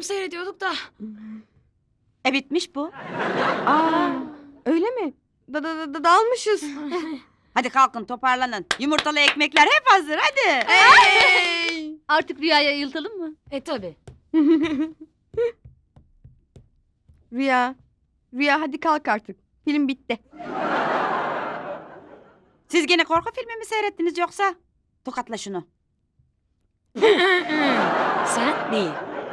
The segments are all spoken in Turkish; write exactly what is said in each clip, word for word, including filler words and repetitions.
seyrediyorduk da. E bitmiş bu. Aa, öyle mi? Da, da, da, dalmışız. Hadi kalkın toparlanın. Yumurtalı ekmekler hep hazır hadi. Hey! Artık Rüya'ya ayıltalım mı? E tabi. Rüya. Rüya hadi kalk artık. Film bitti. Siz gene korku filmi mi seyrettiniz yoksa? Tokatla şunu. Sen değil.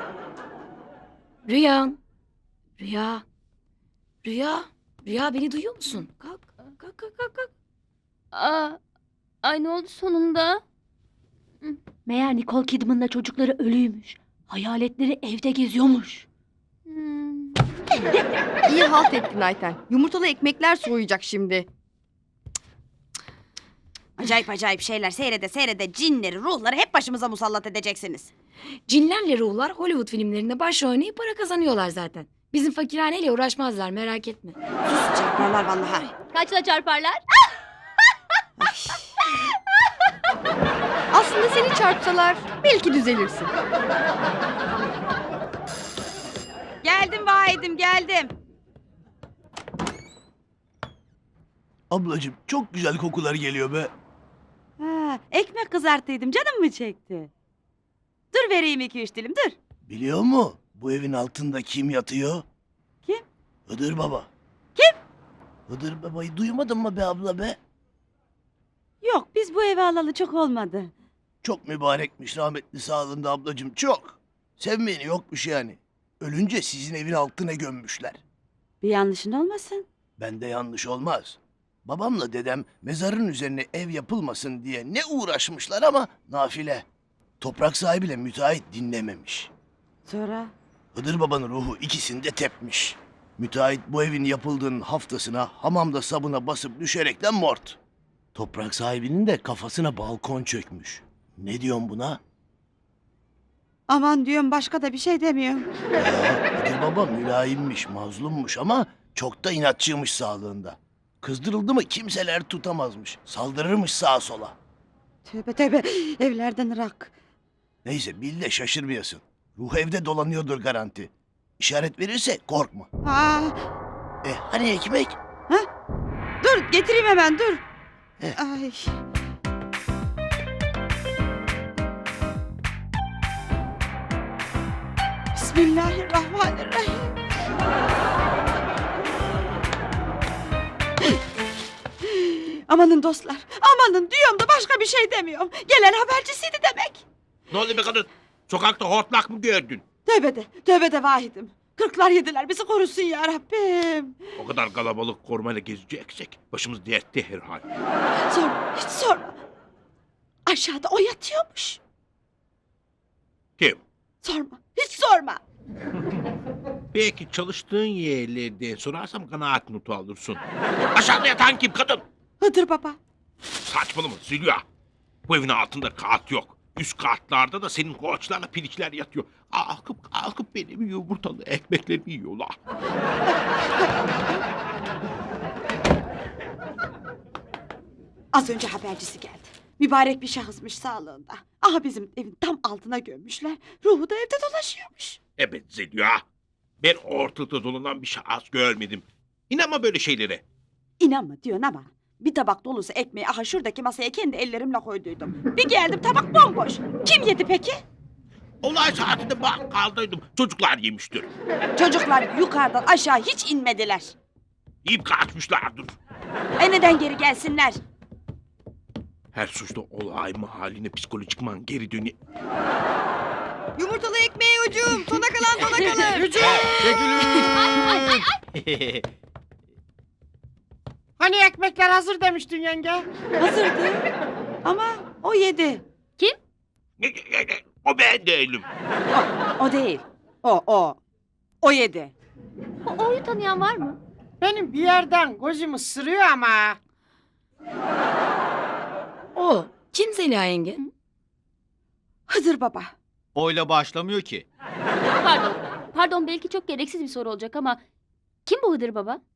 Rüya. Rüya. Rüya. Rüya beni duyuyor musun? Kalk. Kalk kalk kalk. kalk. Aa, ay ne oldu sonunda? Meğer Nicole Kidman'la çocukları ölüymüş. Hayaletleri evde geziyormuş. Hmm. İyi halt ettin Ayten. Yumurtalı ekmekler soğuyacak şimdi. Acayip acayip şeyler seyrede seyrede cinleri, ruhları hep başımıza musallat edeceksiniz. Cinlerle ruhlar Hollywood filmlerinde başrol oynayıp para kazanıyorlar zaten. Bizim fakirhaneyle uğraşmazlar merak etme. Sus çarparlar vallahi. Kaçla çarparlar? Aslında seni çarpsalar belki düzelirsin. Geldim vahidim geldim. Ablacığım çok güzel kokular geliyor be. Ha, ekmek kızarttıydım canım mı çekti? Dur vereyim iki üç dilim dur. Biliyor mu bu evin altında kim yatıyor? Kim? Hıdır Baba. Kim? Hıdır Baba'yı duymadın mı be abla be? Yok biz bu evi alalı çok olmadı. Çok mübarekmiş rahmetli sağlığında ablacığım çok. Sevmeyeni yokmuş yani. Ölünce sizin evin altına gömmüşler. Bir yanlışın olmasın. Bende yanlış olmaz. Babamla dedem mezarın üzerine ev yapılmasın diye ne uğraşmışlar ama nafile. Toprak sahibiyle müteahhit dinlememiş. Sonra? Hıdır Baba'nın ruhu ikisini de tepmiş. Müteahhit bu evin yapıldığının haftasına hamamda sabuna basıp düşerekten mort. Toprak sahibinin de kafasına balkon çökmüş. Ne diyorsun buna? Aman diyorum başka da bir şey demiyorum. Ya, Hıdır Baba mülayimmiş, mazlummuş ama çok da inatçıymış sağlığında. Kızdırıldı mı kimseler tutamazmış. Saldırırmış sağa sola. Tövbe tövbe evlerden ırak. Neyse bil de şaşırmayasın. Ruh evde dolanıyordur garanti. İşaret verirse korkma. Aa, E hani ekmek? dur getireyim hemen dur. Heh. Ay. Bismillahirrahmanirrahim. Amanın dostlar, amanın diyorum da başka bir şey demiyorum. Gelen habercisiydi demek. Ne oldu be kadın? Sokakta hortlak mı gördün? Tövbe de, tövbe de vahidim. Kırklar yediler bizi korusun ya Rabbim. O kadar kalabalık korumayla gezeceksek başımız dertte herhal. Sorma, hiç sorma. Aşağıda o yatıyormuş. Kim? Sorma, hiç sorma. Belki çalıştığın yerlerden sorarsam kanaat notu alırsın. Aşağıda yatan kim kadın? Hıdır baba. Saçmalama Zülya. Bu evin altında kat yok. Üst katlarda da senin koçlarla piliçler yatıyor. Kalkıp kalkıp benim yumurtalı ekmeklerimi yiyorlar. Az önce habercisi geldi. Mübarek bir şahısmış sağlığında. Aha bizim evin tam altına gömmüşler. Ruhu da evde dolaşıyormuş. Evet Zülya. Ben ortada dolanan bir şahıs görmedim. İnanma böyle şeylere. İnanma diyorsun ama bir tabak dolusu ekmeği aha şuradaki masaya kendi ellerimle koyduydum. Bir geldim tabak bomboş. Kim yedi peki? Olay saatinde bakkaldaydım. Çocuklar yemiştir. Çocuklar yukarıdan aşağı hiç inmediler. Yiyip kaçmışlardır. E neden geri gelsinler? Her suçta olay mahalline psikolojikman geri dönüyor. Yumurtalı ekmeği ucum. Sona kalan sona kalır. Hani ekmekler hazır demiştin yenge? Hazırdı. Ama o yedi. O ben değilim. O değil. O o. O yedi. O, O'yu tanıyan var mı? Benim bir yerden gözüm ısırıyor ama. O. Kim Zeliha yenge? Hıdır baba. Oyla başlamıyor ki. Pardon. Pardon belki çok gereksiz bir soru olacak ama kim bu Hıdır Baba?